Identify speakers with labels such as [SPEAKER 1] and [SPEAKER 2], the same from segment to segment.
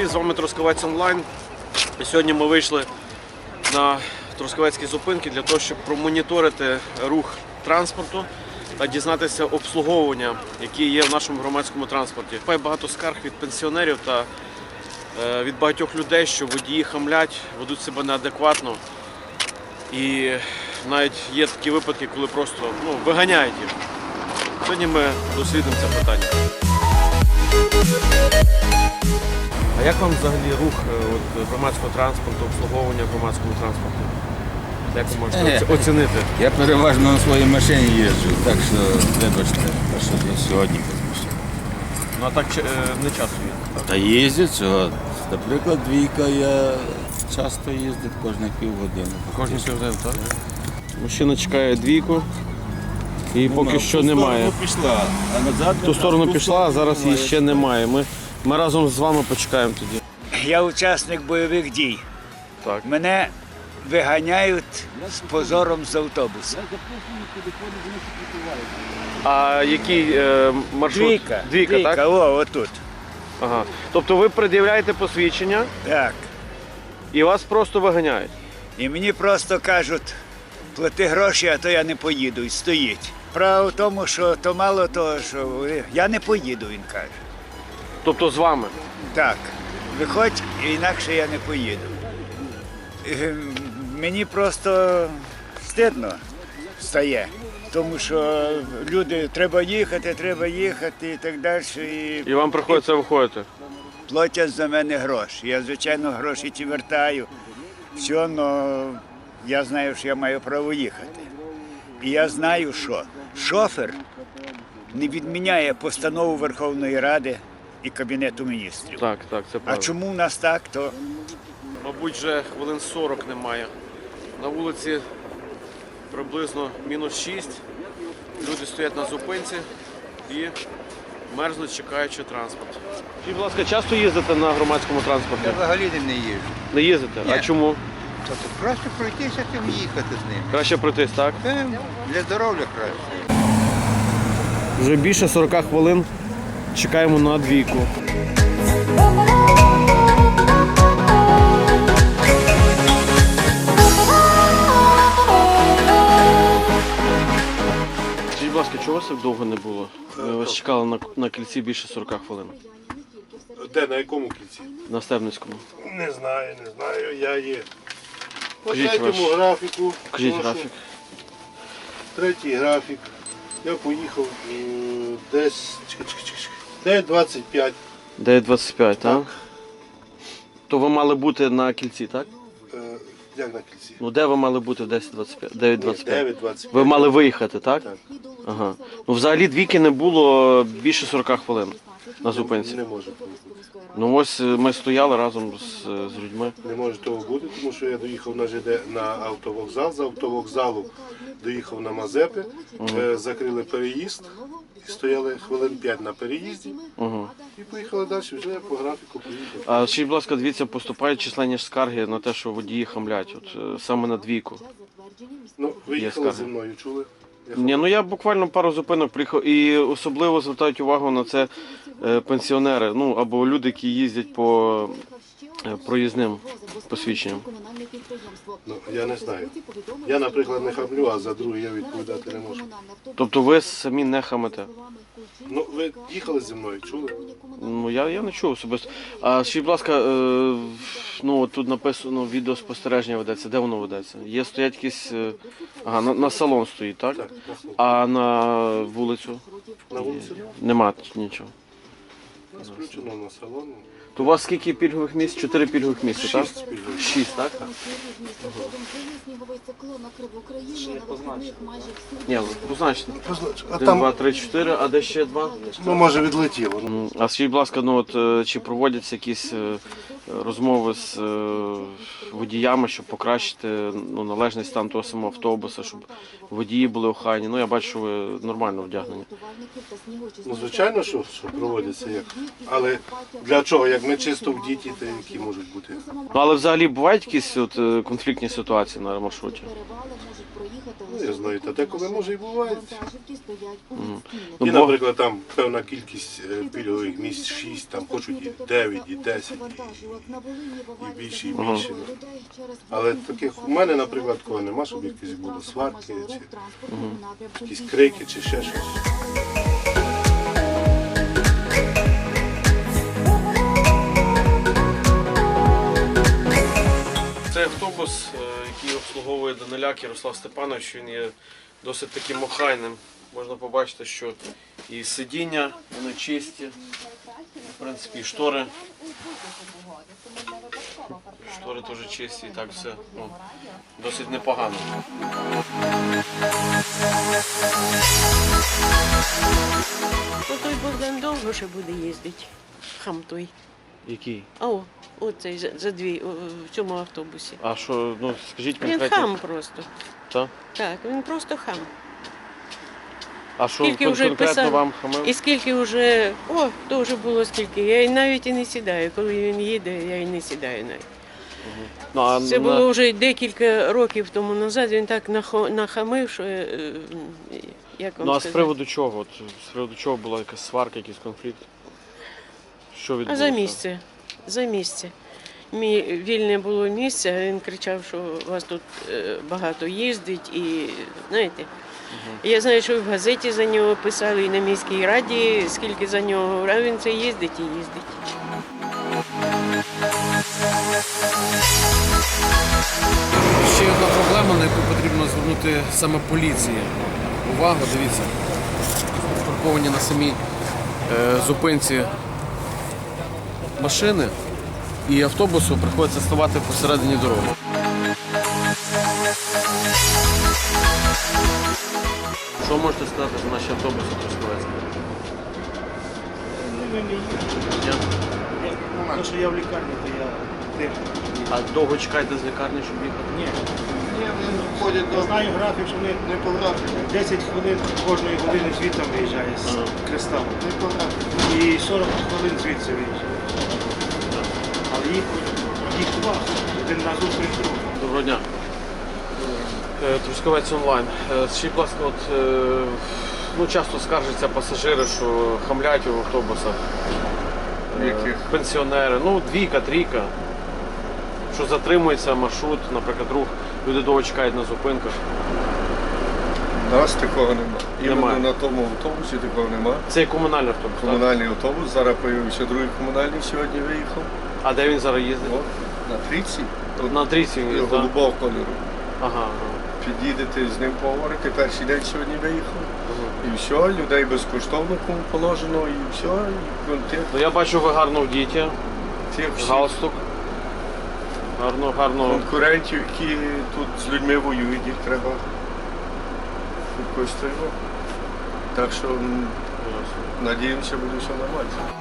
[SPEAKER 1] привіт! З вами Трускавець Онлайн. І сьогодні ми вийшли на Трускавецькі зупинки для того, щоб промоніторити рух транспорту та дізнатися обслуговування, які є в нашому громадському транспорті. Є багато скарг від пенсіонерів та від багатьох людей, що водії хамлять, ведуть себе неадекватно. І навіть є такі випадки, коли просто виганяють їх. Сьогодні ми дослідимо це питання. А як вам взагалі рух громадського транспорту, обслуговування громадського транспорту? Як ви можете оцінити?
[SPEAKER 2] Я переважно на своїй машині їжджу, так що вибачте, що сьогодні без машини.
[SPEAKER 1] Ну а так не часто їздить?
[SPEAKER 2] Та їздять, що, наприклад, двійка я часто їздить кожні півгодини.
[SPEAKER 1] Кожні півгодини, так? Мужчина чекає двійку і поки що немає.
[SPEAKER 2] В ту сторону пішла, а назад
[SPEAKER 1] В ту сторону пішла, а зараз її ще немає. Ми разом з вами почекаємо тоді.
[SPEAKER 3] Я учасник бойових дій.
[SPEAKER 1] Так.
[SPEAKER 3] Мене виганяють з позором з автобуса.
[SPEAKER 1] А який маршрут? Двійка, так?
[SPEAKER 3] О, отут.
[SPEAKER 1] Ага. Тобто ви пред'являєте посвідчення
[SPEAKER 3] Так.
[SPEAKER 1] і вас просто виганяють?
[SPEAKER 3] І мені просто кажуть, плати гроші, а то я не поїду. І стоїть. Право в тому, що то мало того, що я не поїду, він каже.
[SPEAKER 1] Тобто з вами?
[SPEAKER 3] Так. Виходь, інакше я не поїду. Мені просто стидно стає, тому що люди, треба їхати і так далі.
[SPEAKER 1] І вам приходиться виходити?
[SPEAKER 3] Платять за мене гроші. Я, звичайно, гроші ті вертаю. Все, але я знаю, що я маю право їхати. І я знаю, що шофер не відміняє постанову Верховної Ради і Кабінету міністрів.
[SPEAKER 1] Так, це
[SPEAKER 3] А
[SPEAKER 1] правда.
[SPEAKER 3] чому в нас так, то
[SPEAKER 1] Мабуть, вже хвилин 40 немає. На вулиці приблизно -6. Люди стоять на зупинці і мерзнуть, чекаючи транспорт. Скажіть, будь ласка, часто їздите на громадському транспорті?
[SPEAKER 4] Я взагалі не їжджу.
[SPEAKER 1] Не їздите?
[SPEAKER 4] Ні.
[SPEAKER 1] А чому?
[SPEAKER 4] Тобто краще пройтися, чим їхати з ним.
[SPEAKER 1] Краще пройтись, так?
[SPEAKER 4] Для здоров'я краще.
[SPEAKER 1] Вже більше 40 хвилин чекаємо на двійку. Скажіть, будь ласка, чого вас так довго не було? Ми вас чекали на кільці більше 40 хвилин.
[SPEAKER 5] Де, на якому кільці?
[SPEAKER 1] На Стебницькому.
[SPEAKER 5] Не знаю. Я є. По
[SPEAKER 1] Кажіть
[SPEAKER 5] третьому
[SPEAKER 1] ваш.
[SPEAKER 5] графіку.
[SPEAKER 1] Покажіть
[SPEAKER 5] прошу.
[SPEAKER 1] графік.
[SPEAKER 5] Третій графік. Я поїхав десь 9:25.
[SPEAKER 1] 9:25, так? То ви мали бути на кільці, так?
[SPEAKER 5] Як на кільці?
[SPEAKER 1] Ну де ви мали бути в 10:25? 9:25?
[SPEAKER 5] 9:25.
[SPEAKER 1] Ви мали виїхати, так?
[SPEAKER 5] Так.
[SPEAKER 1] Ага. Ну взагалі двійки не було більше 40 хвилин на зупинці.
[SPEAKER 5] Не може бути.
[SPEAKER 1] Ну ось ми стояли разом з людьми.
[SPEAKER 5] Не може того бути, тому що я доїхав на ЖД на автовокзал. З автовокзалу доїхав на Мазепи, закрили переїзд і стояли хвилин 5 на переїзді.
[SPEAKER 1] Угу.
[SPEAKER 5] І поїхали далі, вже я по графіку поїхав.
[SPEAKER 1] А ще, будь ласка, дивіться, поступають численні ж скарги на те, що водії хамлять, саме на двійку.
[SPEAKER 5] Ну, ви
[SPEAKER 1] Є
[SPEAKER 5] їхали
[SPEAKER 1] скарги.
[SPEAKER 5] зі мною, чули?
[SPEAKER 1] Ні, ну я буквально пару зупинок приїхав і особливо звертають увагу на це пенсіонери, ну або люди, які їздять по проїзним посвідченням.
[SPEAKER 5] Ну, я не знаю. Я, наприклад, не хамлю, а за друге я відповідати не можу.
[SPEAKER 1] Тобто ви самі не хамите?
[SPEAKER 5] Ну, ви їхали зі мною, чули?
[SPEAKER 1] Ну я не чув особисто. А ще, будь ласка, ну от тут написано відеоспостереження ведеться. Де воно ведеться? Є стоять якісь. Ага, на салон стоїть, так?
[SPEAKER 5] Так, на слуху.
[SPEAKER 1] А на вулицю?
[SPEAKER 5] На вулиці?
[SPEAKER 1] Нема нічого.
[SPEAKER 5] У нас включено на салон.
[SPEAKER 1] То у вас скільки пільгових місць? 4 пільгових місця, так?
[SPEAKER 5] 6 пільгових.
[SPEAKER 1] 6, так? Ні, позначте.
[SPEAKER 5] А
[SPEAKER 1] 1,
[SPEAKER 5] там,
[SPEAKER 1] 2, 3, 4, а де ще 2?
[SPEAKER 5] ну, може, відлетіло.
[SPEAKER 1] А скажіть, будь ласка, ну от чи проводяться якісь розмови з водіями, щоб покращити належний стан того самого автобуса, щоб водії були охайні? Ну я бачу, що ви нормально вдягнені.
[SPEAKER 5] Ну, звичайно, що проводиться як. Але для чого? як ми чисто в діті, то які можуть бути.
[SPEAKER 1] Ну, але взагалі бувають якісь от, конфліктні ситуації на маршруті?
[SPEAKER 5] Ну, я знаю, та деколи може і буває.
[SPEAKER 1] Ну,
[SPEAKER 5] І,
[SPEAKER 1] бо-
[SPEAKER 5] наприклад, там певна кількість пільгових місць 6, там хочуть і 9, і 10, і більше, і більше. Але таких у мене, наприклад, такого нема, щоб якісь були сварки, чи якісь крики, чи ще щось.
[SPEAKER 1] Цей автобус, який обслуговує Даниляк Ярослав Степанович, він є досить таким охайним. Можна побачити, що і сидіння, вони чисті, в принципі, і штори. Штори теж чисті, і так все досить непогано.
[SPEAKER 6] Ну, той Богдан довго ще буде їздити. Хам той.
[SPEAKER 1] Який?
[SPEAKER 6] Оцей за дві в цьому автобусі.
[SPEAKER 1] А що, ну скажіть
[SPEAKER 6] Він
[SPEAKER 1] конкретно.
[SPEAKER 6] хам просто.
[SPEAKER 1] Та?
[SPEAKER 6] Так, він просто хам.
[SPEAKER 1] А що
[SPEAKER 6] Скільки вже
[SPEAKER 1] конкретно
[SPEAKER 6] писав?
[SPEAKER 1] вам хамив?
[SPEAKER 6] І скільки вже, то вже було скільки. Я навіть і не сідаю. Коли він їде, я і не сідаю навіть.
[SPEAKER 1] Ну, а
[SPEAKER 6] Це було вже декілька років тому назад. Він так нахамив, що як вам
[SPEAKER 1] Ну а з
[SPEAKER 6] сказати?
[SPEAKER 1] приводу чого? От, з приводу чого була якась сварка, якийсь конфлікт? Що
[SPEAKER 6] А
[SPEAKER 1] відбулося?
[SPEAKER 6] за місце. За місце. Вільне було місце, а він кричав, що вас тут багато їздить і знаєте. Я знаю, що і в газеті за нього писали, і на міській раді, скільки за нього, а він це їздить і їздить.
[SPEAKER 7] Ще одна проблема, на яку потрібно звернути саме поліції. Увагу, дивіться, парковані на самій зупинці машини і автобусу приходиться ставати посередині дороги.
[SPEAKER 1] Що можете сказати за наші автобуси Трускавецькі?
[SPEAKER 8] Тому що я в лікарні, то я тим.
[SPEAKER 1] А довго чекаєте з лікарні, щоб їхати?
[SPEAKER 8] Ні. Я знаю графік, що вони не по графіку. 10 хвилин кожної години звідти виїжджає з кристалу. Не по графіку. І 40 хвилин звідси виїжджає. Але їх два. Один на зустріч другий.
[SPEAKER 1] Доброго дня. Трускавець онлайн. Скажіть, будь ласка, часто скаржаться пасажири, що хамлять у автобусах. Пенсіонери, двійка, трійка. Що затримується маршрут, наприклад, рух, люди довго чекають на зупинках.
[SPEAKER 9] У нас такого немає.
[SPEAKER 1] Немає.
[SPEAKER 9] Іменно на тому автобусі такого немає.
[SPEAKER 1] Це є комунальний автобус, так?
[SPEAKER 9] Комунальний автобус, зараз появився другий комунальний сьогодні виїхав.
[SPEAKER 1] А де він зараз їздить?
[SPEAKER 9] От, на трійці.
[SPEAKER 1] На трійці він їздить, так?
[SPEAKER 9] Голубого кольору.
[SPEAKER 1] Ага.
[SPEAKER 9] Під'їдете з ним поговорити, перший день сьогодні виїхав. І все, людей безкоштовно кому положено, і все, і контент.
[SPEAKER 1] Ну я бачу, ви гарно вдіті,
[SPEAKER 9] Тих всіх
[SPEAKER 1] галстук. Гарно.
[SPEAKER 9] конкурентів, які тут з людьми воюють, їх треба якось треба. Так що надіємося, буде все нормально.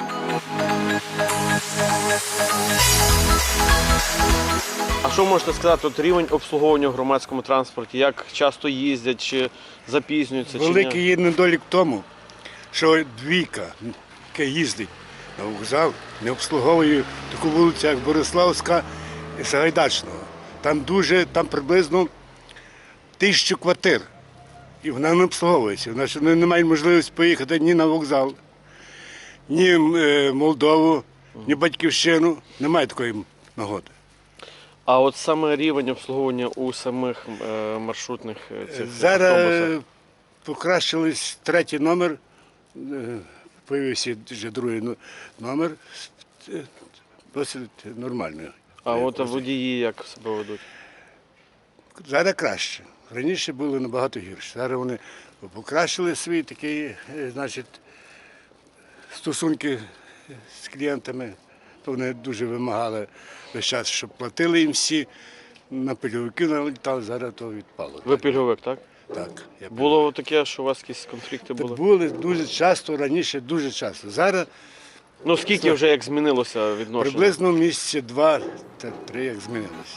[SPEAKER 1] А що можете сказати, рівень обслуговування в громадському транспорті? Як часто їздять, чи запізнюються, чи ні?
[SPEAKER 10] Великий є недолік в тому, що двійка, яка їздить на вокзал, не обслуговує таку вулицю, як Бориславська і Сагайдачного. Там приблизно 1000 квартир. І вона не обслуговується. Вона не має можливості поїхати ні на вокзал, ні в Молдову, ні в Батьківщину. Немає такої нагоди.
[SPEAKER 1] А от саме рівень обслуговування у самих маршрутних цих
[SPEAKER 10] Зараз
[SPEAKER 1] автобусах?
[SPEAKER 10] покращились третій номер, появився вже другий номер, досить нормально.
[SPEAKER 1] А от водії як себе ведуть?
[SPEAKER 10] Зараз краще. Раніше було набагато гірше. Зараз вони покращили свої такі, стосунки з клієнтами. То вони дуже вимагали весь час, щоб платили їм всі. На пільговики налітали, зараз то відпало.
[SPEAKER 1] Ви пільговик, так?
[SPEAKER 10] Так.
[SPEAKER 1] Було таке, що у вас якісь конфлікти були?
[SPEAKER 10] Були дуже часто, раніше дуже часто. Зараз
[SPEAKER 1] Ну скільки вже як змінилося відношення?
[SPEAKER 10] приблизно місяці 2-3 як змінилося.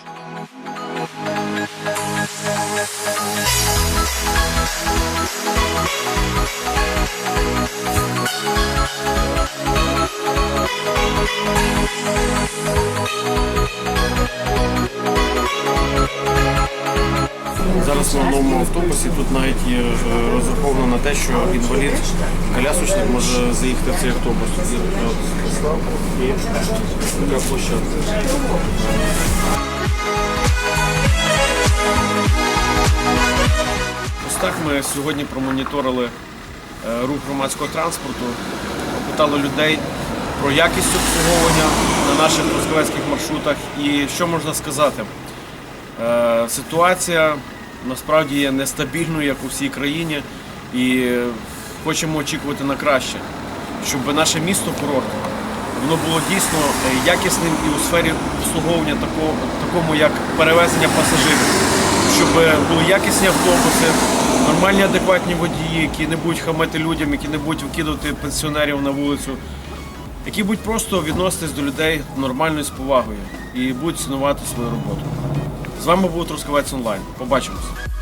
[SPEAKER 11] We'll be right back.
[SPEAKER 7] Зараз на новому автобусі тут навіть є розраховано на те, що інвалід, колясочник може заїхати в цей автобус. Тут є така і така площадка. Ось так ми сьогодні промоніторили рух громадського транспорту, опитали людей про якість обслуговування на наших трускавецьких маршрутах. І що можна сказати? Ситуація насправді є нестабільною, як у всій країні, і хочемо очікувати на краще, щоб наше місто-курорт воно було дійсно якісним і у сфері обслуговування такому як перевезення пасажирів, щоб були якісні автобуси, нормальні адекватні водії, які не будуть хамити людям, які не будуть викидувати пенсіонерів на вулицю, які будуть просто відноситись до людей нормально і з повагою і будуть цінувати свою роботу. З вами був Трускавець Онлайн. Побачимось.